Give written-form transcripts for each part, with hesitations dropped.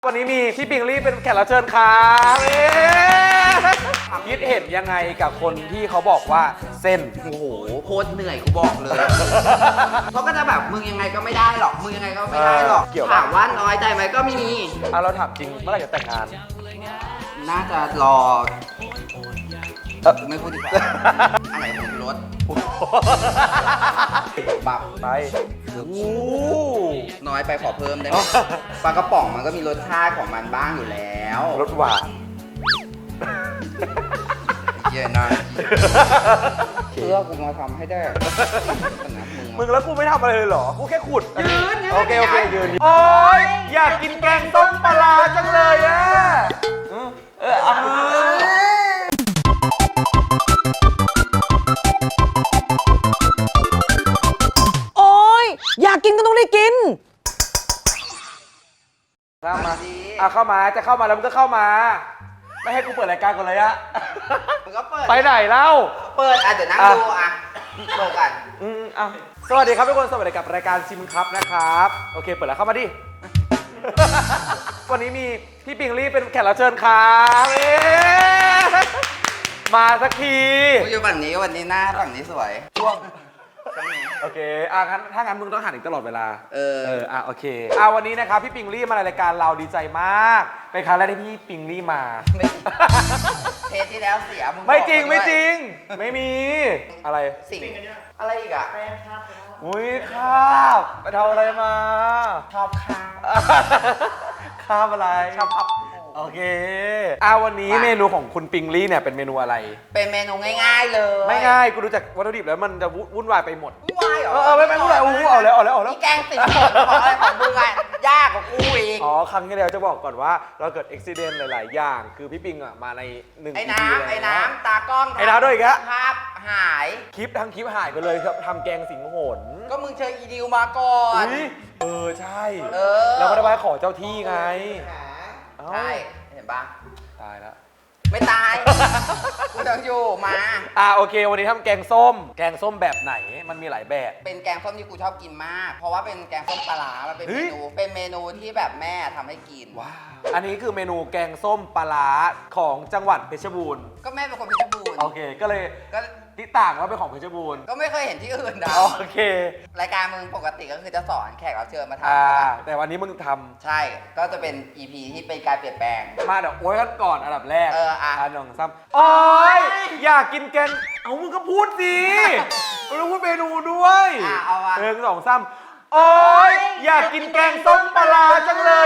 วันนี้มีพี่ปิงลี่เป็นแขกรับเชิญครับคิดเห็นยังไงกับคนที่เขาบอกว่าเส้นโอ้โหโคตรเหนื่อยกูบอกเลย เพราะก็จะแบบมึงยังไงก็ไม่ได้หรอกมึงยังไงก็ไม่ได้หรอกถามว่าน้อยใจไหมก็มีเราถามจริงเมื่อไหร่จะแต่งงานน่าจะรอไม่พูดดีกว่าอะไรของรถบับไปน้อยไปขอเพิ่มได้ไหมปลากระป๋องมันก็มีรสชาติของมันบ้างอยู่แล้วรสหวานเย็นนะเพื่อกูมาทำให้ได้มึงแล้วกูไม่ทำอะไรเลยเหรอกูแค่ขุดยืนโอเคยืนโอ๊ยอยากกินแกงต้มปลาจังเลยอะโอ๊ยอยากกินก็ต้องได้กินเข้ามาเข้ามาจะเข้ามาแล้วมึงก็เข้ามาไม่ให้กูเปิดรายการก่อนเลยอะมึงก็เปิดไปไหนเล่าเปิดเดี๋ยวนั่งดูเปิดกันสวัสดีครับทุกคนสวัสดีกับรายการชิมครับนะครับโอเคเปิดแล้วเข้ามาดิวันนี้มีพี่ปิงลี่เป็นแขกรับเชิญครับมาสักทีกูอยู่ฝั่งนี้วันนี้หน้าฝั่งนี้สวยช่วงโอเคงั้นถ้างั้นมึงต้องหันอีกตลอดเวลาโอเควันนี้นะครับพี่ปิงลี่มาในรายการเราดีใจมากเป็นครั้งแรกที่พี่ปิงลี่มาเทปที่แล้วเสียมึงไม่จริงไม่มีอะไรสิ่งอะไรอีกอะอุ้ยข้าบไปทำอะไรมาชอบข้าวข้าบอะไรชอบครับโอเควันนี้เมนูของคุณปิงลี่เนี่ยเป็นเมนูอะไรเป็นเมนูง่ายๆเลยไม่ง่ายกูดูจากวัตถุดิบแล้วมันจะวุ่นวายไปหมดวุ่นวายเหรอไม่วุ่นวายเอาแล้วนี่แกงติดของอะไรของมึงอะยากกว่ากูอีกครั้งที่แล้วจะบอกก่อนว่าเราเกิดอุบิเหตุหลายๆอย่างคือพี่ปิงมาใน1 ไอ้น้ำตากล้องไอ้น้ำด้วยอีกแล้วภาพหายคลิปหายไปเลยครับทำแกงสิงหนก็มึงเชิญอีดิวมาก่อนใช่เราก็ได้ไปขอเจ้าที่ไงใช่เห็นปะตายแล้วไม่ตายกูต้องอยู่มาโอเควันนี้ทำแกงส้มแบบไหนมันมีหลายแบบเป็นแกงส้มที่กูชอบกินมากเพราะว่าเป็นแกงส้มปลาร้ามันเป็นเมนูที่แบบแม่ทำให้กินว้าวอันนี้คือเมนูแกงส้มปลาร้าของจังหวัดเพชรบูรณ์ก็แม่เป็นคนเพชรบูรณ์โอเคก็เลยที่ต่างว่าเป็นของเพชรบูรณ์ก็ไม่เคยเห็นที่อื่นนะโอเครายการมึงปกติก็คือจะสอนแขกรับเชิญมาทำแต่วันนี้มึงทำใช่ก็จะเป็น EP ที่เป็นการเปลี่ยนแปลงมาเดี๋ยวโอ้ยกันก่อนอันดับแรกหนึ่งซ้ำอยากกินแกงมึงก็พูดสิมึงต้องพูดเมนูด้วย1 2 3อยากกินแกงส้มปลาจังเลย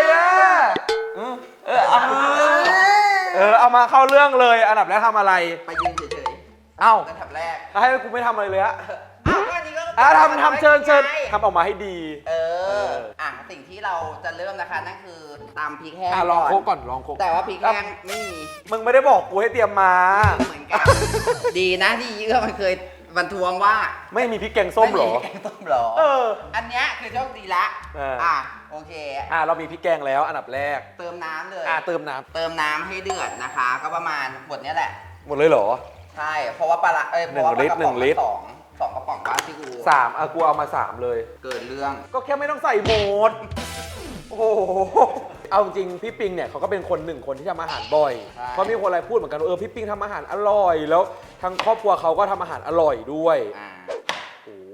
เอามาเข้าเรื่องเลยอันดับแรกทำอะไรไปยืนเฉยๆอันดับแรกให้กูไม่ทำอะไรเลยทำเชิญทำออกมาให้ดีสิ่งที่เราจะเริ่มนะคะนั่นคือตำพริกแห้งลองโคกก่อนลองโคกแต่ว่าพริกแห้งไม่มีมึงไม่ได้บอกกูให้เตรียมมาเหมือนกันดีนะที่มันเคยบรรทวงว่าไม่มีพริกแกงส้มหรอแกงส้มหรออันเนี้ยคือโชคดีละโอเคเรามีพริกแกงแล้วอันดับแรกเติมน้ำเลยเติมน้ำให้เดือดนะคะก็ประมาณหมดเนี้ยแหละหมดเลยเหรอใช่เพราะว่าปลา 1 ลิตรสองกระป๋องบ้านที่กู 3กูเอามา3เลยเกิดเรื่องก็แค่ไม่ต้องใส่หมดโอ้โหเอาจริงพี่ปิงเนี่ยเขาก็เป็น1 คนที่ทำอาหารบ่อยเพราะมีคนอะไรพูดเหมือนกันพี่ปิงทำอาหารอร่อยแล้วทั้งครอบครัวเขาก็ทำอาหารอร่อยด้วยโอ้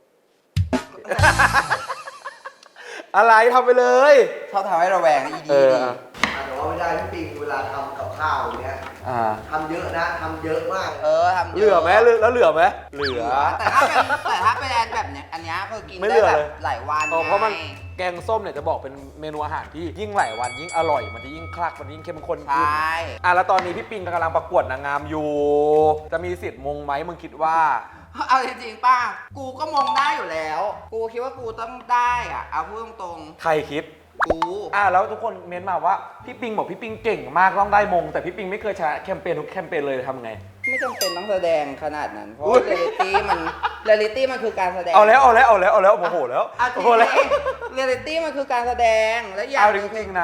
อะไรทำไปเลยชอบทำให้ระแวงอีดีแต่ว่าไม่ได้พี่ปิงเวลาทำกับข้าวเนี้ยทำเยอะนะทำเยอะมากทำเยอะเหลือไหมแล้วเหลือไหมเหลือแต่ถ้าเป็นแบบเนี้ยอันนี้คือกินได้แบบหลายวันเพราะมันแกงส้มเนี่ยจะบอกเป็นเมนูอาหารที่ยิ่งหลายวันยิ่งอร่อยมันจะยิ่งคลักมันยิ่งเข้มข้นขึ้นแล้วตอนนี้พี่ปิงกำลังประกวดนางงามอยู่จะมีสิทธิ์มงไหมมึงคิดว่าเอาจริงๆป้ากูก็มงได้อยู่แล้วกูคิดว่ากูต้องได้เอาพูดตรงๆใครคิดกูแล้วทุกคนเม้นมาว่าพี่ปิงบอกพี่ปิงเก่งมากต้องได้มงแต่พี่ปิงไม่เคยชนะแคมเปญทุกแคมเปญเลยทำไงไม่จำเป็นต้องแสดงขนาดนั้นเพราะเรียลิตี้มันคือการแสดงเอาแล้วโมโหแล้วเรียลิตี้มันคือการแสดงและเอาจริงๆนะค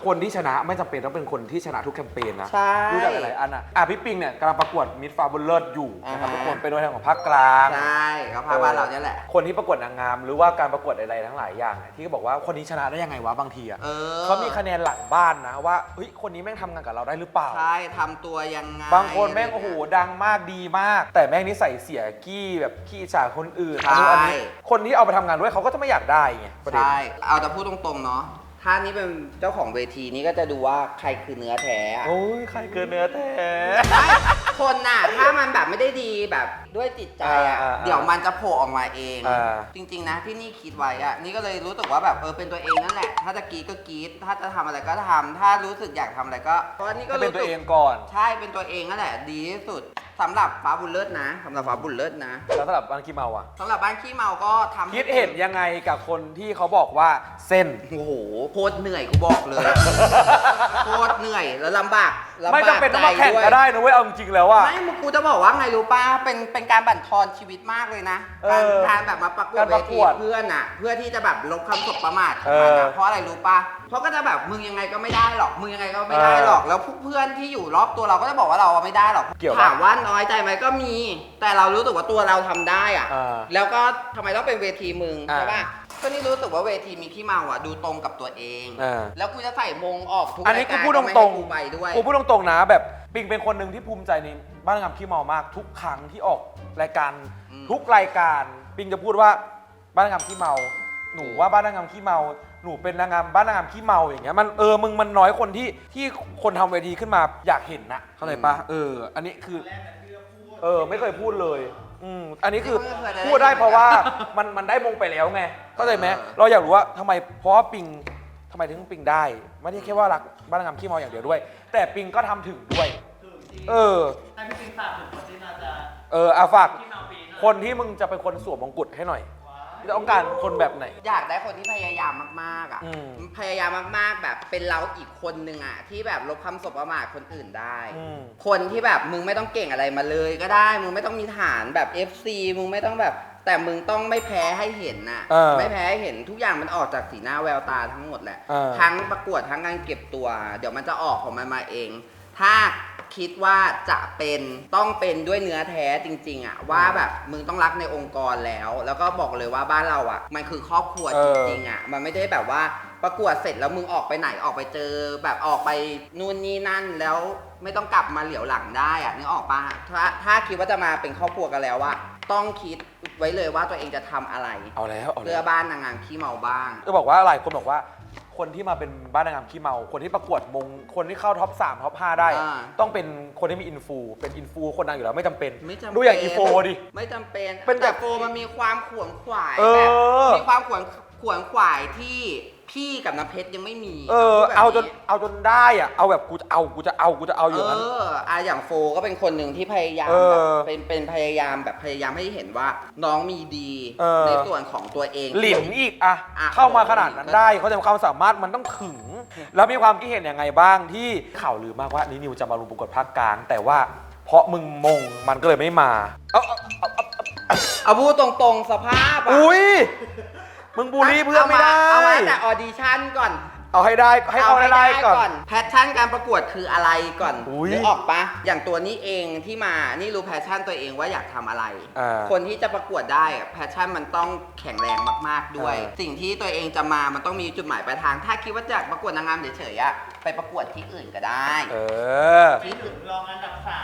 คนที่ชนะไม่จำเป็นต้องเป็นคนที่ชนะทุกแคมเปญนะใช่รู้จักหลายๆอันพี่ปิงเนี่ยกำลังประกวดมิสฟาบุลเลอร์อยู่นะครับทุกคนเป็นตัวแทนของภาคกลางใช่เขาพาบ้านเราเนี่ยแหละคนที่ประกวดนางงามหรือว่าการประกวดอะไรทั้งหลายอย่างเนี่ยที่เขาบอกว่าคนนี้ชนะได้ยังไงวะบางทีเขามีคะแนนหลังบ้านนะว่าเฮ้ยคนนี้แม่งทำงานกับเราได้หรือเปล่าใช่ทำตัวยังไงบางคนแม่งโอ้โหดังมากดีมาก แต่แม่งนิสัยเสียกี้แบบขี้ฉาคนอื่นอันนี้คนที่เอาไปทำงานด้วยเขาก็จะไม่อยากได้ไงประเด็นใช่เอาแต่พูดตรงๆเนาะถ้านี่เป็นเจ้าของเวทีนี้ก็จะดูว่าใครคือเนื้อแท้อะโอ้ยใครเกินเนื้อแท้คนน่ะถ้ามันแบบไม่ได้ดีแบบด้วยจิตใจอ่ะเดี๋ยวมันจะโผล่ออกมาเอง จริงๆนะที่นี่คิดไว้อ่ะนี่ก็เลยรู้สึกว่าแบบเป็นตัวเองนั่นแหละถ้าจะกรีดก็กรีดถ้าจะทำอะไรก็ทำถ้ารู้สึกอยากทำอะไรก็เพราะนี่ก็เป็นตัวเองก่อนใช่เป็นตัวเองนั่นแหละดีที่สุดสำหรับฟ้าบุญเลิศนะสำหรับฟ้าบุญเลิศนะแล้วสำหรับบ้านขี้เมาอ่ะสำหรับบ้านขี้เมาก็ทำคิดเห็นยังไงกับคนที่เขาบอกว่าเส้นโอ้โหโคตรเหนื่อยกูบอกเลย โคตรเหนื่อยแล้วลำบากไม่จำเป็นต้องมาแข่งก็ได้นะเว้ยเอาจริงๆแล้วว่าไม่มึงกูจะบอกว่าไงรู้ป่ะเป็นการบั่นทอนชีวิตมากเลยนะการแบบมาประกวดเวทีเพื่อนอ่ะเพื่อที่จะแบบลบคำสบประมาทของมันนะเพราะอะไรรู้ป่ะเพราะก็จะแบบมึงยังไงก็ไม่ได้หรอกมึงยังไงก็ไม่ได้หรอกแล้วเพื่อนที่อยู่รอบตัวเราก็จะบอกว่าเราไม่ได้หรอกถามว่าน้อยใจไหมก็มีแต่เรารู้สึกว่าตัวเราทำได้อ่ะแล้วก็ทำไมต้องเป็นเวทีมึงใช่ป่ะก็นี่รู้สึกว่าเวทีมีขี้เมาอ่ะดูตรงกับตัวเองแล้วกูจะใส่มงออกทุกรายการอันนี้กูพูดตรงๆกูพูดตรงๆนะแบบปิงเป็นคนหนึ่งที่ภูมิใจในบ้านนางงามขี้เมามากทุกครั้งที่ออกรายการทุกรายการปิงจะพูดว่าบ้านนางงามขี้เมาหนูว่าบ้านนางงามขี้เมาหนูเป็นนางงามบ้านนางงามขี้เมาอย่างเงี้ยมันมึงมันน้อยคนที่คนทำเวทีขึ้นมาอยากเห็นนะเข้าใจปะอันนี้คือไม่เคยพูดเลยอันนี้คือพูดได้เพราะว่ามันได้มงไปแล้วไงเข้าใจไหมเราอยากรู้ว่าทำไมเพราะว่าปิงทำไมถึงปิงได้ไม่ได้แค่ว่ารักบ้านนางงามขี้เมาอย่างเดียวด้วยแต่ปิงก็ทำถึงด้วยให้พี่ปิงฝากถึงคนที่มาจะฝากคนที่มึงจะเป็นคนสวมมงกุฎให้หน่อยต้องการคนแบบไหนอยากได้คนที่พยายามมากๆอ่ะพยายามมากๆแบบเป็นเราอีกคนนึงอ่ะที่แบบลบคำสบประมาทคนอื่นได้คนที่แบบมึงไม่ต้องเก่งอะไรมาเลยก็ได้มึงไม่ต้องมีฐานแบบ FC มึงไม่ต้องแบบแต่มึงต้องไม่แพ้ให้เห็นน่ะไม่แพ้ให้เห็นทุกอย่างมันออกจากสีหน้าแววตาทั้งหมดแหละทั้งประกวดทั้งการเก็บตัวเดี๋ยวมันจะออกของมันมาเองถ้าคิดว่าจะต้องเป็นด้วยเนื้อแท้จริงๆอ่ะว่าแบบมึงต้องรักในองค์กรแล้วก็บอกเลยว่าบ้านเราอ่ะมันคือครอบครัวจริงๆอ่ะมันไม่ได้แบบว่าประกวดเสร็จแล้วมึงออกไปไหนออกไปเจอแบบออกไปนู่นนี่นั่นแล้วไม่ต้องกลับมาเหลียวหลังได้อ่ะนึกออกปะถ้าคิดว่าจะมาเป็นครอบครัวกันแล้วว่าต้องคิดไว้เลยว่าตัวเองจะทำอะไรเอาแล้วเพื่อบ้านนางงามขี้เมาบ้างก็บอกว่าหลายคนบอกว่าคนที่มาเป็นบ้านนางงามขี้เมาคนที่ประกวดมงคนที่เข้าท็อป3ท็อป5ได้ต้องเป็นคนที่มีอินฟูเป็นอินฟูคนดังอยู่แล้วไม่จำเป็นดูอย่างอีโฟดิไม่จำเป็นแต่โฟมันมีความขวนขวายแบบมีความขวนขวายที่พี่กับน้ำเพชรยังไม่มีเอาจนได้อ่ะเอาแบบกูจะเอาอย่างนั้นอย่างโฟก็เป็นคนหนึ่งที่พยายามเป็นพยายามแบบพยายามให้เห็นว่าน้องมีดีในส่วนของตัวเองหลินอีกเข้ามาขนาดนั้นได้เขาจะมีความสามารถมันต้องถึงแล้วมีความคิดเห็นยังไงบ้างที่ข่าวลือมากว่านิวจะมาลงประกวดภาคกลางแต่ว่าเพราะมึงมงมันก็เลยไม่มาเอาพูดตรงๆสภาพอุ้ยมึงบูลลี่เพื่อนไม่ได้เอาไว้แต่ออดิชั่นก่อนเอาให้ได้ให้เอาให้ได้ก่อนแพชชั่นการประกวดคืออะไรก่อนนึกออกปะอย่างตัวนี้เองที่มานี่รู้แพชชั่นตัวเองว่าอยากทำอะไรคนที่จะประกวดได้แพชชั่นมันต้องแข็งแรงมากๆด้วยสิ่งที่ตัวเองจะมามันต้องมีจุดหมายปลายทางถ้าคิดว่าอยากประกวดนางงามเฉยๆไปประกวดที่อื่นก็ได้ที่อื่นรองอันดับ3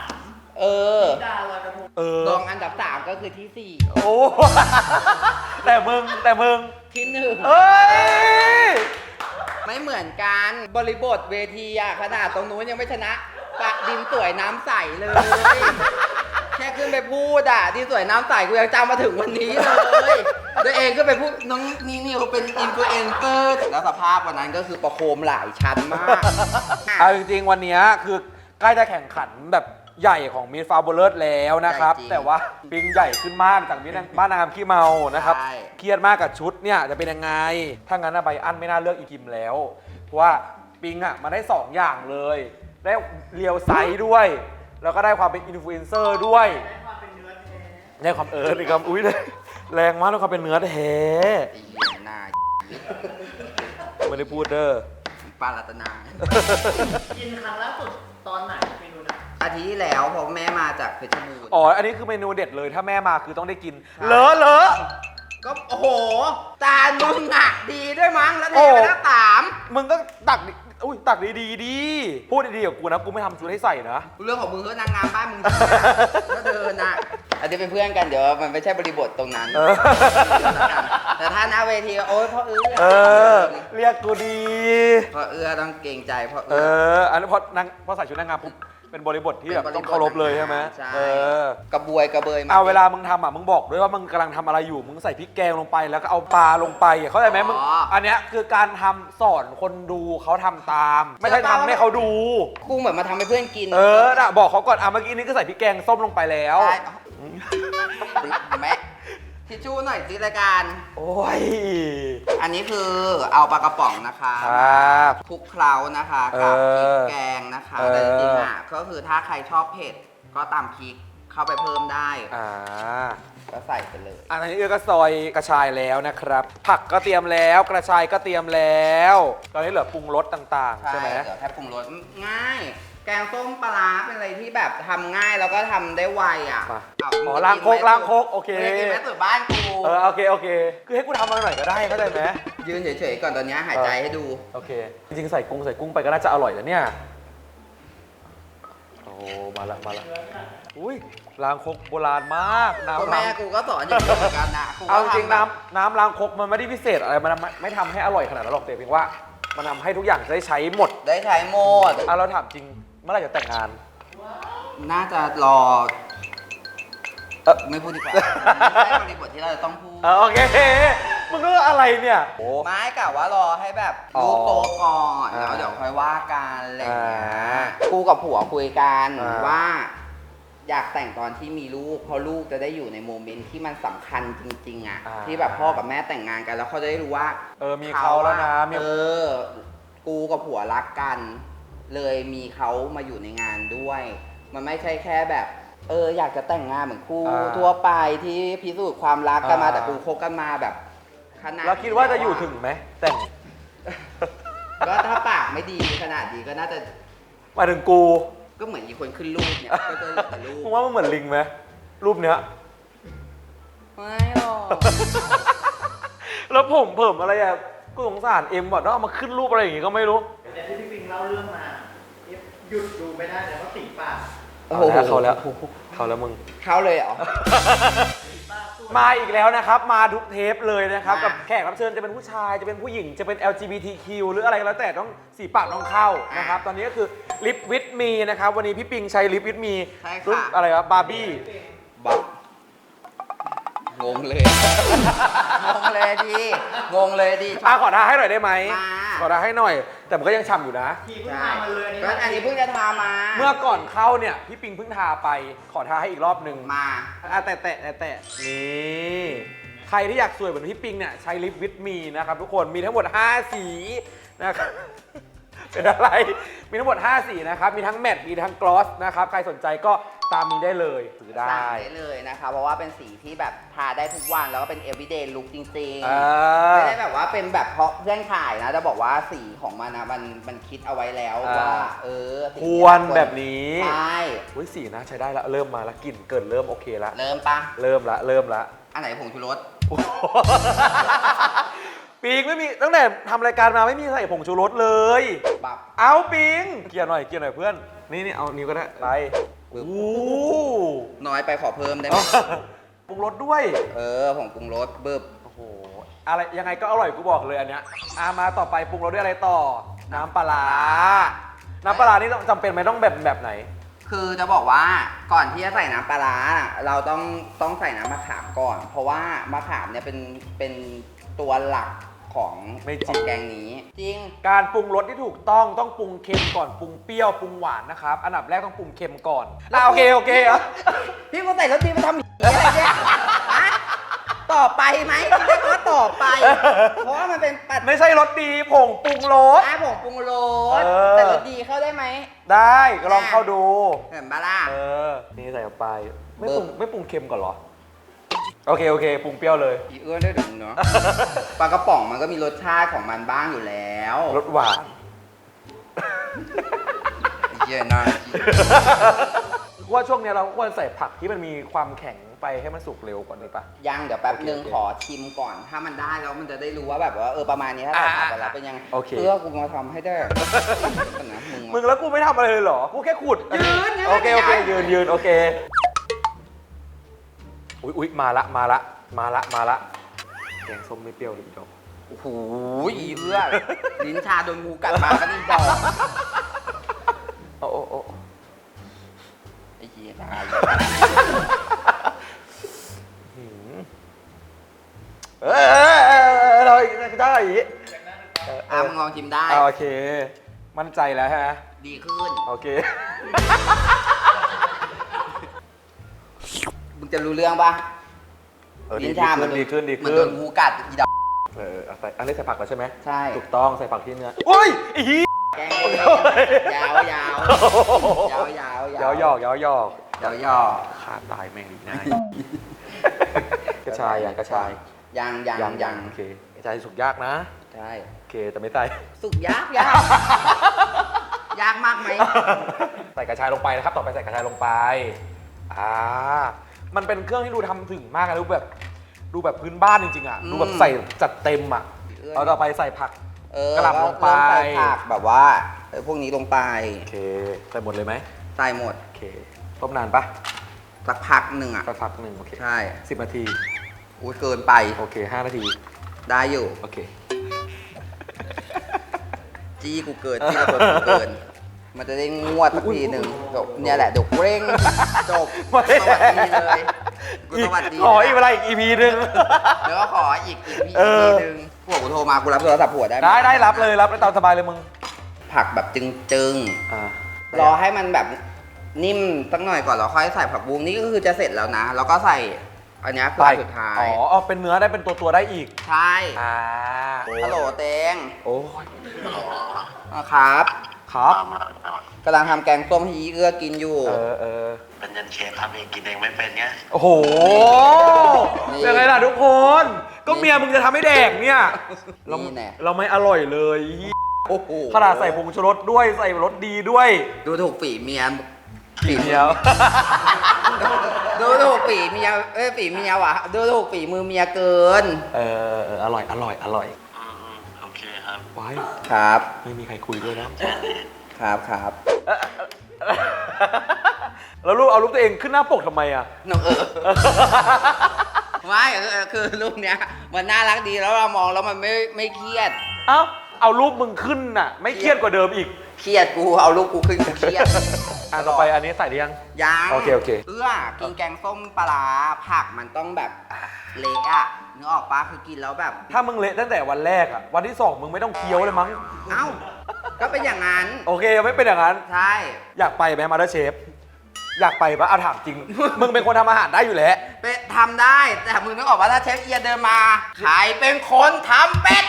รองอันดับ3ก็คือที่4 โอ้แต่มึงที่1 เอ้ยไม่เหมือนกันบริบทเวทีอะขนาดตรงนู้นยังไม่ชนะปะดินสวยน้ำใสเลยแค่ขึ้นไปพูดดินสวยน้ำใสกูยังจำมาถึงวันนี้เลยตัวเองก็ไปพูดน้องนิวเป็นอินฟลูเอนเซอร์แล้วสภาพวันนั้นก็คือประโคมหลายชั้นมากเอาจริงๆวันนี้คือใกล้จะแข่งขันแบบใหญ่ของมิสฟาบูลเลอร์แล้วนะครับแต่ว่าปิงใหญ่ขึ้นมากจากมิสบ้านนางงามขี้เมานะครับเครียดมากกับชุดเนี่ยจะเป็นยังไงถ้างั้นใบอันไม่น่าเลือกอีกิมแล้วเพราะว่าปิงมาได้2อย่างเลยได้เรียวไซส์ด้วยแล้วก็ได้ความเป็นอินฟลูเอนเซอร์ด้วยได้ความเลยครับอุ้ยเลยแรงมากแล้วความเป็นเนื้อแท้ไม่ได้พูดเด้อปลารัตนากินครั้งล่าสุดตอนไหนเมนูนะอาทิตย์ที่แล้วเพราะแม่มาจากเพชรบูรณ์อ๋อ อันนี้คือเมนูเด็ดเลยถ้าแม่มาคือต้องได้กิน เลอะเลอะก็โอ้โหจานมึงอ่ะดีด้วยมั้งแล้วเทไปแล้วสามมึงก็ตักดิอุ้ยตักดีๆดีพูดดีๆกับกูนะ กูไม่ทำชุดให้ใส่นะเรื่องของมึงเถอะนางงามบ้านมึงก็เดินอ่ะอาจจะเป็นเพื่อนกันเดี๋ยวมันไม่ใช่บริบทตรงนั้น แต่ถ้าหน้าเวทีโอ๊ยพ่อเอื้อเรียกกูดีพ่อเอื้อต้องเกรงใจพ่อเอเอื้ออันนี้พอใส่ชุดนางงามปุ๊บเป็นบริบทที่แบบต้องเคารพเลยใช่ไหมใช่กระบวยกระเบยมาเอาเวลามึงทำอ่ะมึงบอกด้วยว่ามึงกำลังทำอะไรอยู่มึงใส่พริกแกงลงไปแล้วก็เอาปลาลงไปเข้าใจไหมมึงอันเนี้ยคือการทำสอนคนดูเขาทำตาม ไม่ใช่ทำให้เขาดูกูเหมือนมาทำให้เพื่อนกินน่ะบอกเขาก่อนเมื่อกี้นี้ก็ใส่พริกแกงส้มลงไปแล้วใช่แม่ทิชชู่หน่อยสิรายการโอ้ยอันนี้คือเอาปลากระป๋องนะคะครับคลุกเคล้านะคะกับพริกแกงนะคะเออแต่จริงๆอ่ะก็คือถ้าใครชอบเผ็ดก็ตามพริกเข้าไปเพิ่มได้ ก็ใส่ไปเลยอันนี้ก็ซอยกระชายแล้วนะครับ ผักก็เตรียมแล้วกระชายก็เตรียมแล้ว ตอนนี้เหลือปรุงรสต่างๆ ใช่ไหมเดี๋ยวแค่ปรุงรสง่าย แกงส้มปลาร้าเป็นอะไรที่แบบทำง่ายแล้วก็ทำได้ไวอ่ะมาอ้าวอ๋อล้างโคกโอเคไม่ได้กินแม่ตื่นบ้านกูโอเคคือให้กูทำมาหน่อยก็ได้เข้าใจไหมยืนเฉยๆก่อนตอนนี้หายใจให้ดูโอเค จริงๆใส่กุ้งไปก็น่าจะอร่อยแล้วเนี่ยโอ้มาละอุ้ยล้างคกโบราณมากน้ำก็แม่กูก็สอนอย่างนี้เหมือนกันนะกูก็เอาจริงๆทำแบบน้ำล้างคกมันไม่ได้พิเศษอะไรมันไม่ทำให้อร่อยขนาดนั้นหรอกแต่เพียงว่ามันทำให้ทุกอย่างได้ใช้หมดได้ใช้โหมดเราถามจริงเมื่อไหร่จะแต่งงานน่าจะรอไม่พูดดีกว่าไม่ใช่บริบทที่เราจะต้องพูดโอเคมึงก็อะไรเนี่ยโอ้ไม้กะว่ารอให้แบบอ๋อลูกโตก่อนอ่าแล้วเดี๋ยวค่อยว่ากันอะไรอย่างเงี้ยอ่ากูกับผัวคุยกันอ่าว่า อยากแต่งตอนที่มีลูกเพราะลูกจะได้อยู่ในโมเมนต์ที่มันสำคัญจริงๆอ่ะที่แบบพ่อกับแม่แต่งงานกันแล้วเขาจะได้รู้ว่ามีเขาแล้วนะมีกูกับผัวรักกัน เลยมีเขามาอยู่ในงานด้วย มันไม่ใช่แค่แบบ อยากจะแต่งงานเหมือนคู่ทั่วไปที่พิสูจน์ความรักกันมาแต่กูคบกันมาแบบขนาดเราคิดว่าจะอยู่ถึงไหมแต่งก็ถ้าปากไม่ดีขนาดนี้ก็น่าจะหมายถึงกูก็เหมือนอีกคนขึ้นรูปเนี่ยก็จะเหลือแต่รูปมึงว่ามันเหมือนลิงไหมรูปเนี้ยไม่หรอกแล้วผมเพิ่มอะไรอ่ะกูสงสารเอ็มว่ะต้องเอามาขึ้นรูปอะไรอย่างงี้ก็ไม่รู้แต่ที่พี่ปิงเล่าเรื่องมาหยุดดูไม่ได้เลยว่าสีปากโอ้โหเขาแล้วมึงเขาเลยเหรอมาอีกแล้วนะครับ มาทุกเทปเลยนะครับมากักับแขกรับเชิญจะเป็นผู้ชายจะเป็นผู้หญิงจะเป็น LGBTQ หรืออะไรก็แล้วแต่ต้องสีปากต้องเข้านะครับ ตอนนี้ก็คือลิปวิดมีนะครับ วันนี้พี่ปิงใช้ลิปวิดมีใช่ค่ะรุ่นอะไรวะบาร์บี้บักงงเลย งงเลยดีงงเลยดีขอทาให้หน่อยได้ไหมมาขอทาให้หน่อย แต่มันก็ยังฉ่ำอยู่นะทีเพิ่งทำมาเลยก็อันนี้เพิ่งจะทามาเมื่อก่อนเข้าเนี่ยพี่ปิงเพิ่งทาไป ขอทาให้อีกรอบหนึ่งมาแตะนี่ใครที่อยากสวยเหมือนพี่ปิงเนี่ยใช้ลิปวิดมีนะครับทุกคนมีทั้งหมด 5 สีนะครับ เป็นอะไร มีทั้งหมด 5 สีนะครับ มีทั้งแมตต์มีทั้งกลอสนะครับ ใครสนใจก็ตามนี้ได้เลยซื้อได้สั่งได้เลยนะคะ เพราะว่าเป็นสีที่แบบทาได้ทุกวันแล้วก็เป็น everyday look จริงๆ ไม่ได้แบบว่าเป็นแบบเพราะเพื่อนขายนะ จะบอกว่าสีของมันนะมันคิดเอาไว้แล้วว่าสีควรแบบนี้ใช่อุ้ยสีนะใช้ได้ละเริ่มมาละกลิ่นเกินเริ่มโอเคละเริ่มปะเริ่มละอันไหนผงชูรสปิงไม่มีตั้งแต่ทำรายการมาไม่มีใส่ผงชูรสเลยแบบเอาปิงเกลี่ยหน่อยเพื่อนนี่เอานิ้วก็ได้ไปโอ้น้อยไปขอเพิ่มได้ไหมปรุงรสด้วยผงปรุงรสเบิบโอ้โหอะไรยังไงก็อร่อยกูบอกเลยอันเนี้ยมาต่อไปปรุงรสด้วยอะไรต่อ น้ำปลาร้าน้ำปลาร้านี่จำเป็นไหมต้องแบบไหนคือจะบอกว่าก่อนที่จะใส่น้ำปลาร้าเราต้องใส่น้ำมะขามก่อน เพราะว่ามะขามเนี่ยเป็นตัวหลักของไม่จริงของแกงนี้ จริงการปรุงรสที่ถูกต้องปรุงเค็มก่อนปรุงเปรี้ยวปรุงหวานนะครับอันดับแรกต้องปรุงเค็มก่อนโอเคเหรอพี่กูใส่รสดีมาทำอะไรเนี่ยฮะต่อไปไหมเรียกว่าต่อไป เพราะว่ามันเป็นปัดไม่ใช่รสดีผงปรุงรสผงปรุงรสเออแต่รสดีเข้าได้ไหมได้ก็ลองเข้าดูเห็นปะล่ะนี่ใส่เข้าไปไม่ปรุงเค็มก่อนเหรอโอเคปรุงเปรี้ยวเลยอีเอื้อนได้ถึงเนาะ ปลากระป๋องมันก็มีรสชาติของมันบ้างอยู่แล้วรสหวานเยอะนะว่าช่วงเนี้ยเราควรใส่ผักที่มันมีความแข็งไปให้มันสุกเร็วกว่านี้ปะยังเดี๋ยวแป๊บนึงโอเคขอชิมก่อน ถ้ามันได้แล้วมันจะได้รู้ว่าแบบว่าประมาณนี้ถ้าเราทำไปแล้วเป็นยังไงโอเคเพื่อกูมาทำให้ได้ก่อนนะมึมึงงแล้วกูไม่ทำอะไรเลยเหรอ กูแค่ขุดยืนโอเคโอเคยืนโอเค อุ๊ยมาละแกงส้มไม่เปรี้ยวเลยอีดอกโอ้โหเอื้อลิ้นชาโดนงูกัดมาก็นี่ดอกโอ้ไอ้เหี้ยตายเราได้อีกมึงลองชิมได้โอเค มั่นใจแล้วฮะดีขึ้นโอเคมึงจะรู้เรื่องปะ ลิ้นชามันดีขึ้นมันโดนงูกัดอีดอกเอาใส่อันนี้ใส่ผักแล้วใช่ไหมใช่ถูกต้องใส่ผักที่เนื้อโอ้ยไอ้ฮีแกงยาวยาวยาวยาวยาวยหยอกยาวยาวขาดตายแม่งอีกนายกระชายกระชายยังโอเคกระชายสุกยากนะใช่โอเคแต่ไม่ใส่สุกยากยากมากไหมใส่กระชายลงไปนะครับ ต่อไปใส่กระชายลงไปมันเป็นเครื่องที่ดูทำถึงมากนะดูแบบพื้นบ้านจริงๆอ่ะดูแบบใส่จัดเต็มอ่ะเอาต่อไปใส่ผัก กระหล่ำลงไปใส่ผักแบบว่าพวกนี้ลงไปโอเคใส่หมดเลยไหมใส่หมดโอเคต้มนานปะสักพักหนึ่งอ่ะสักพักหนึ่งโอเคใช่ 10 นาทีอุ้ยเกินไปโอเค5 นาทีได้อยู่โอเคจี้กูเกินจี้ระเบิดกูเกิน มันจะได้งวดสักทีหนึ่งจบเนี่ยแหละเดี๋ยวเร่งจบสวัสดีเลยกูสวัสดีขออีกเวลาอีก EP นึงแล้วก็ขออีกทีหนึ่งผัวกูโทรมากูรับโทรศัพท์ผัวได้ไหมได้รับเลยรับได้ตามสบายเลยมึงผักแบบจึงๆรอให้มันแบบนิ่มสักหน่อยก่อนแล้วค่อยใส่ผักบุ้งนี่ก็คือจะเสร็จแล้วนะแล้วก็ใส่อันนี้คืออันสุดท้ายอ๋อเป็นเนื้อได้เป็นตัวได้อีกใช่ ฮัลโหลเตงโอ้ยครับครับกำลังทำแกงส้มให้ยีเอื้อกินอยู่เป็นยันเชฟทำเองกินเองไม่เป็นไงโอ้โหนี่ยังไงล่ะทุกคน ก็เมียมึงจะทำให้แดกเนี่ยนี่แน่เราไม่อร่อยเลยโอ้โหขนาดใส่ผงชูรสด้วยใส่รสดีด้วยดูถูกฝีเมียเดียวดูถูกฝีเมียฝีเมียวะดูถูกฝีมือเมียเกินอร่อยโอเคครับไว้ครับไม่มีใครคุยด้วยนะครับแล้วรูปเอารูปตัวเองขึ้นหน้าปกทำไมอ่ะน้องไม่คือรูปเนี้ยมันน่ารักดีแล้วเรามองแล้วมันไม่เครียดเอ้าเอารูปมึงขึ้นน่ะ ไม่เครียดกว่าเดิมอีกเครียดกูเอารูปกูขึ้นกูเครียดต่อไปอันนี้ใส่หรือยังยังโอเคกินแกงส้มปลาร้าผักมันต้องแบบเละอ่ะนึกออกปะคือกินแล้วแบบถ้ามึงเละตั้งแต่วันแรกอ่ะ วันที่ 2 มึงไม่ต้องเคี้ยวเลยมั้งเอ้าก็เป็นอย่างนั้นโอเคไม่เป็นอย่างนั้นใช่อยากไปไหมมาสเตอร์เชฟ อยากไปปะเอาถามจริง มึงเป็นคนทำอาหารได้อยู่แล้วเป็นทำได้แต่มึงนึกออกว่าถ้าเชฟเอียเดินมาใครเป็นคนทำเป็ด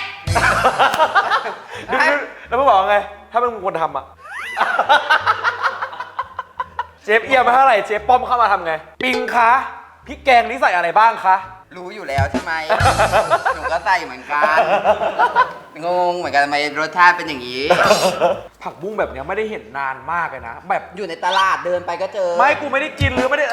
แล้วมึงบอกว่าไง ถ้ามึงเป็นคนทำอ่ะ เชฟเอียมาเท่าไหร่เชฟป้อมเข้ามาทำไง ปิงคะพริกแกงนี่ใส่อะไรบ้างคะรู้อยู่แล้วใช่ไหม หนูก็ใส่เหมือนกันงงเหมือนกันทำไมรสชาติเป็นอย่างนี้ผักบุ้งแบบเนี้ยไม่ได้เห็นนานมากเลยนะ แบบอยู่ในตลาดเดินไปก็เจอไม่กูไม่ได้กินหรือไม่ได้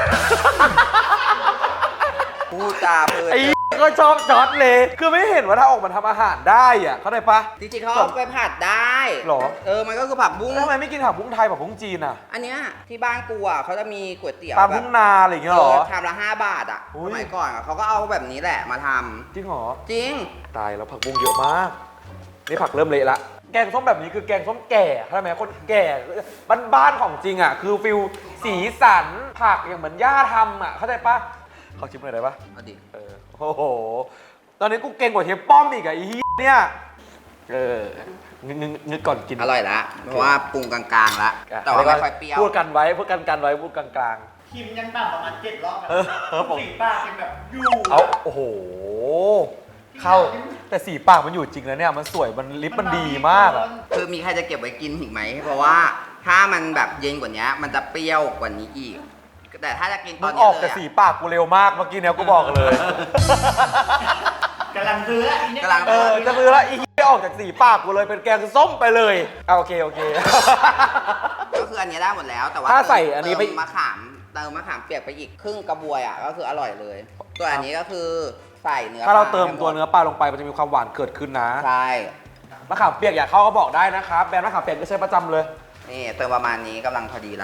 พูดจาเพลินไอ้ก็ชอบจอดเลย คือไม่เห็นว่าถ้าออกมาทำอาหารได้อ่ะ เข้าใจปะจริงๆเขาเอาไปผัดได้หรอมันก็คือผักบุ้งแล้วทำไมไม่กินผักบุ้งไทยผักบุ้งจีนอ่ะอันเนี้ยที่บ้านกูอ่ะเขาจะมีก๋วยเตี๋ยวตามแบทุ่บงนาอะไรอย่างเงี้ยหรอชามละ5 บาทอ่ะอุ๊สยมัยก่อนอะเขาก็เอาแบบนี้แหละมาทำจริงเหรอจริงตายแล้วผักบุ้งเยอะมาก นี่ผักเริ่มเละละ แกงส้มแบบนี้คือแกงส้มแก่เข้าใจไหมคนแก่บ้านๆของจริงอ่ะ คือฟิลสีสันผักอย่างเหมือนย่าทำอ่ะ เข้าใจปะขอชิมหน่อยได้ปะเอาดิโอ้โห ตอนนี้กูเก่งกว่าเชฟป้อมอีกอะไอ้เหี้ยเนี่ยงึกก่อนกินอร่อยละเพราะว่าปรุงกลางๆละแต่ว่าไม่ค่อยเปรี้ยวพูดกันไว้พูดกันไว้พูดกลางคิมยังต่ำประมาณ7 รอบอะผมสีปากเป็นแบบอยู่ๆเอาโอ้โห เข้าแต่สีปากมันอยู่จริงนะเนี่ย มันสวยมันลิปมันดีมากอะคือมีใครจะเก็บไว้กินอีกไหม เพราะว่าถ้ามันแบบเย็นกว่านี้มันจะเปรี้ยวกว่านี้อีก แต่ถ้าจะกินตมึอนงนี้ออกเลแต่ยสีปากกูเร็วมากเมื่อกี้เนี่ยกูบอกเลยกำลังซื้อแล้วอีเนี่ยกำลังจะมือละอีออกจากสีปากกูเลยเป็นแกงส้มไปเลยโอเคก็คืออันนี้ได้หมดแล้วแต่ว่าถ้าใส่อันนี้ไปเติมมะขามเปียกไปอีกครึ่งกระบวยอ่ะก็คืออร่อยเลยตัวอันนี้ก็คือใส่เนื้อถ้าเราปลเติมให้หตัวเนื้อปลาลงไปมันจะมีความหวานเกิดขึ้นนะใช่มะขามเปียกอยากเข้าก็บอกได้นะครับแบรนด์มะขามเปียกก็ใช้ประจำเลยนี่เติมประมาณนี้กำลังพอดีละ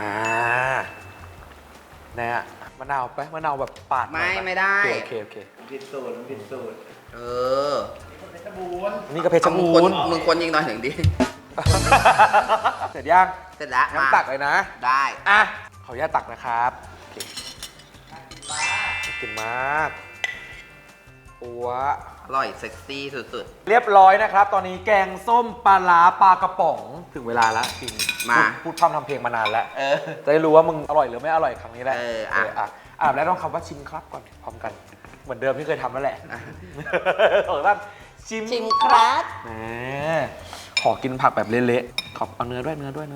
เนี่ยมะนาวไปมะนาวแบบปาดหน่อยปไม่ได้โอเคผิดสูตรผิดสูตรเออเพชรบูรณ์นี่ก็เพชรบูรณ์มึงคนยิงหน่อยหนึ่งดิเสร็จยังเสร็จแล้วน้ำตักเลยนะได้อ่ะขออนุญาตตักนะครับโอเคน่ากินมากปัวอร่อยเซ็กซี่สุดเรียบร้อยนะครับ ตอนนี้แกงส้มปลาร้าปลากระป๋องถึงเวลาแล้วจริงมาพูดพร่ำทำเพลงมานานแล้วๆเออจะได้รู้ว่ามึงอร่อยหรือไม่อร่อยครั้งนี้แหละเอออ่ะอ่ะแล้วต้องคำว่าชิมครับก่อนพร้อมกันเหมือนเดิมที่เคยทำนั่นแหละอ่ะขอบ้างชิมชิมครับแหมขอกินผักแบบเละๆขอเอาเนื้อด้วย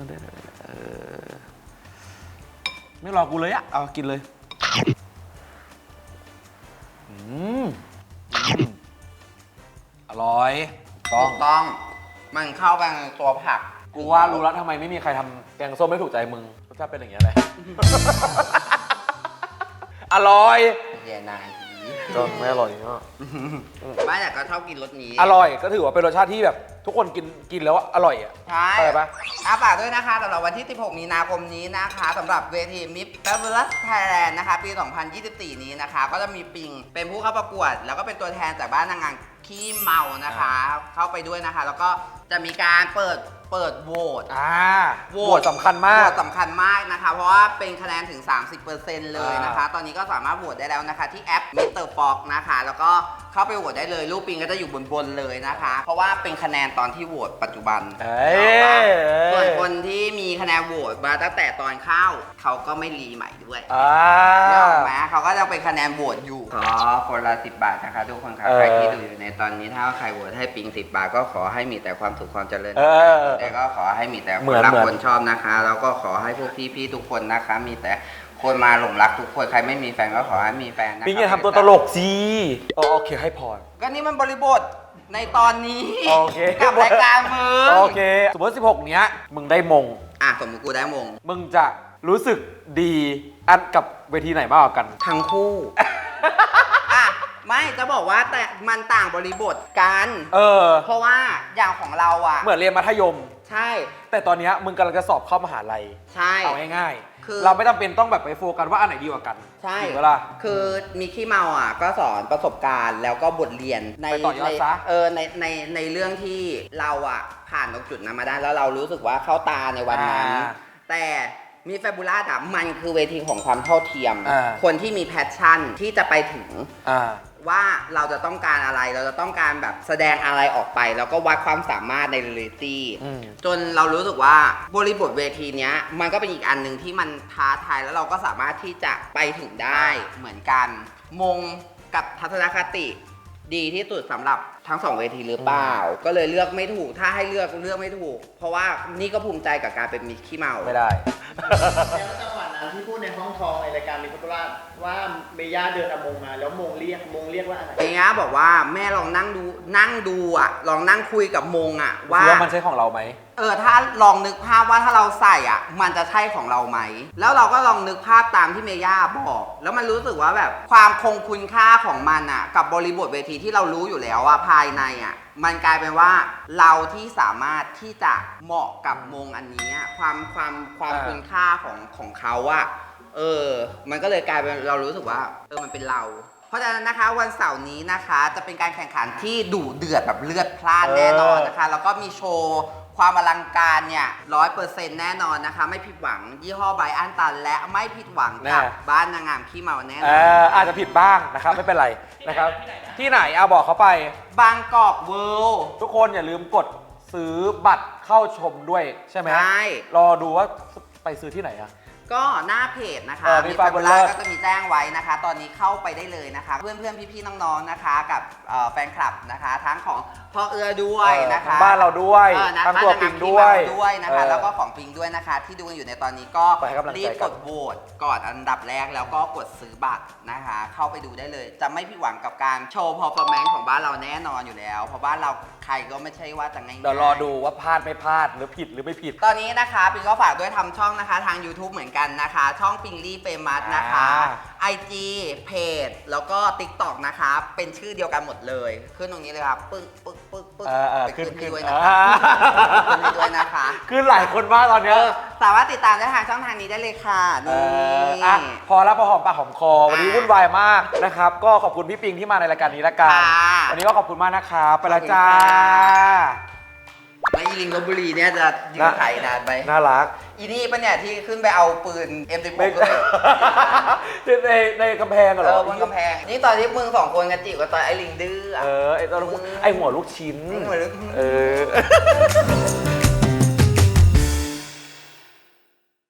ไม่รอกูเลยอะเอากินเลยอร่อยต้ถูองกต้อง มันเข้าไปในตัวผักกูว่ารู้แล้วทำไมไม่มีใครทำแกงส้มไม่ถูกใจมึงรสชาติเป็นอย่างเงี้ยเลย อร่อยเย็นนายจนไม่อร่อยเนาะไม่แต่ก็ชอบกินรสนี้อร่อยก็ถือว่าเป็นรสชาติที่แบบทุกคนกินแล้วอร่อยอ่ะใช่เข้าใจปะฝากด้วยนะคะสำหรับวันที่ 16 มีนาคมนี้นะคะสำหรับเวที Miss Fabulous Thailand นะคะปี 2024 นี้นะคะ ก็จะมีปิงเป็นผู้เข้าประกวด แล้วก็เป็นตัวแทนจากบ้านนางงามขี้เมานะคะ เข้าไปด้วยนะคะ แล้วก็จะมีการเปิดโหวตโหวตสำคัญมากโหวตสำคัญมากนะคะ เพราะว่าเป็นคะแนนถึง 30% เลยนะคะ ตอนนี้ก็สามารถโหวตได้แล้วนะคะที่แอป Mr. Fox นะคะ แล้วก็เข้าไปโหวตได้เลยรูปปิงก็จะอยู่บนเลยนะคะ เพราะว่าเป็นคะแนนตอนที่โหวตปัจจุบันเอ้ยส่วนคนที่มีคะแนนโหวตมาตั้งแต่ตอนเข้าเขาก็ไม่รีใหม่ด้วย นึกออกไหมเขาก็จะเป็นคะแนนโหวตอยู่ขอคนละ10 บาทนะคะทุกคนค่ะใครที่ดูอยู่ในตอนนี้ถ้าใครโหวตให้ปิง10 บาทก็ขอให้มีแต่ความสุขความเจริญแต่ก็ขอให้มีแต่คนรักคนชอบนะคะ แล้วก็ขอให้พวกพี่ๆทุกคนนะคะ มีแต่คนมาหลงรักทุกคนใครไม่มีแฟนก็ขอให้มีแฟนนะคะปิงอย่าทำตัวตลกสิโอเคให้พรก็นี่มันบริบทในตอนนี้โอเคกับรายการมึงโอเคสมมติ16 เนี้ยมึงได้มงสมมติกูได้มงมึงจะรู้สึกดีอันกับเวทีไหนมากกว่ากันทั้งคู่ ไม่จะบอกว่าแต่มันต่างบริบทกัน เพราะว่าอย่างของเราอ่ะเหมือนเรียนมัธยมใช่แต่ตอนเนี้ยมึงกำลังจะสอบเข้ามหาลัยใช่เอาง่ายคือๆเราไม่จำเป็นต้องแบบไปโฟกัสว่าอันไหนดีกว่ากันใช่ถูกปะล่ะคือมีขี้เมาอ่ะก็สอนประสบการณ์แล้วก็บทเรียนในไปต่อยอดซะในเรื่องที่เราอ่ะผ่านตรงจุดนั้นมาได้แล้วเรารู้สึกว่าเข้าตาในวันนั้น แต่มีแฟบูล่าอ่ะมันคือเวทีของความเท่าเทียม คนที่มีแพชชั่นที่จะไปถึงว่าเราจะต้องการอะไรเราจะต้องการแบบแสดงอะไรออกไป แล้วก็วัดความสามารถในเรียลิตี้จนเรารู้สึกว่าบริบทเวทีเนี้ยมันก็เป็นอีกอันหนึ่งที่มันท้าทายแล้วเราก็สามารถที่จะไปถึงได้เหมือนกันมงกับทัศนคติดีที่สุดสำหรับทั้ง2 เวทีหรือเปล่าก็เลยเลือกไม่ถูกถ้าให้เลือกไม่ถูก เพราะว่านี่ก็ภูมิใจกับการเป็นมิสขี้เมาไม่ได้แล้วจังหวะนั้นที่พูดในห้องทองในรายการมิสโคราชว่าเมย่าเดินเอามงมาแล้วมงเรียกว่าอะไรเมียบอกว่าแม่ลองนั่งดูอ่ะลองนั่งคุยกับมงอ่ะว่าว่ามันใช่ของเราไหมถ้าลองนึกภาพว่าถ้าเราใส่อ่ะมันจะใช่ของเราไหมแล้วเราก็ลองนึกภาพตามที่เมย่าบอก แล้วมันรู้สึกว่าแบบความคงคุณค่าของมันอ่ะกับบริบทเวทีที่เรารู้อยู่แล้วอ่ะภายในอ่ะมันกลายเป็นว่าเราที่สามารถที่จะเหมาะกับมงอันนี้อะความคุณค่าของเขาอ่ะมันก็เลยกลายเป็นเรารู้สึกว่ามันเป็นเรา เพราะฉะนั้นนะคะวันเสาร์นี้นะคะจะเป็นการแข่งขันที่ดุเดือดแบบเลือดพล่านแน่นอนนะคะแล้วก็มีโชว์ความอลังการเนี่ย100%แน่นอนนะคะไม่ผิดหวังยี่ห้อไบรอันตันและไม่ผิดหวังกับบ้านนางงามขี้เมาแน่นอนอาจจะผิดบ้างนะครับไม่เป็นไรนะครับที่ไหนเอาบอกเขาไปบางกอกเวิลด์ทุกคนอย่าลืมกดซื้อบัตรเข้าชมด้วยใช่ไหมใช่รอดูว่าไปซื้อที่ไหนอะก็หน้าเพจนะคะมีมีฟาฟาบูบูล่าล่าก็จะมีแจ้งไว้นะคะ ตอนนี้เข้าไปได้เลยนะคะ เพื่อนๆพี่ๆน้องๆนะคะ กับแฟนคลับนะคะ ทั้งของพ่อเอือด้วยนะคะบ้านเราด้วยนะคะทั้งตัวปิงด้วยด้วยนะคะ แล้วก็ของปิงด้วยนะคะ ที่ดูอยู่ในตอนนี้ก็ไปให้กำลังใจรีบกักนดโหวตก่อนอันดับแรกแล้วก็กดซื้อบัตรนะคะ เข้าไปดูได้เลย จะไม่ผิดหวังกับการโชว์ performance ของบ้านเราแน่นอนอยู่แล้ว เพราะบ้านเราใครก็ไม่ใช่ว่าจะง่ายๆเดี๋ยวรอดูว่าพลาดไม่พลาดหรือผิดหรือไม่ผิดตอนนี้นะคะปิงก็ฝากด้วยทำช่องนะคะทาง YouTube เหมือนกันนะคะ ช่องปิงลี่เฟมัสนะคะ IG เพจแล้วก็ TikTok นะคะ เป็นชื่อเดียวกันหมดเลย ขึ้นตรงนี้เลยครับปึ๊กปึ๊กปึ๊กปึ๊กไปขึ้นให้ด้วยนะคะขึ้นให้ด้วยนะคะคือหลายคนมากตอนเนี้ยสามารถติดตามได้ทางช่องทางนี้ได้เลยค่ะนี่อ่ะพอแล้วพอหอมปากหอมคอ วันนี้วุ่นวายมากนะครับ ก็ขอบคุณพี่ปิงที่มาในรายการนี้ละกัน วันนี้ก็ขอบคุณมากนะครับไปและจ้าแล้วอีลิงลพบุรีเนี่ยจะยืนถ่ายนานไหมน่ารักอีนี่ปะเนี่ยที่ขึ้นไปเอาปืน M16 ไม่ขึ้นไปในกำแพงเหรอบนกำแพง นี่ตอนที่มึงสองคนกันจีบกับตอนไอ้ลิงดื้ออะไอตอนไอหัวลูกชิ้นไอ้หัวลูกเออ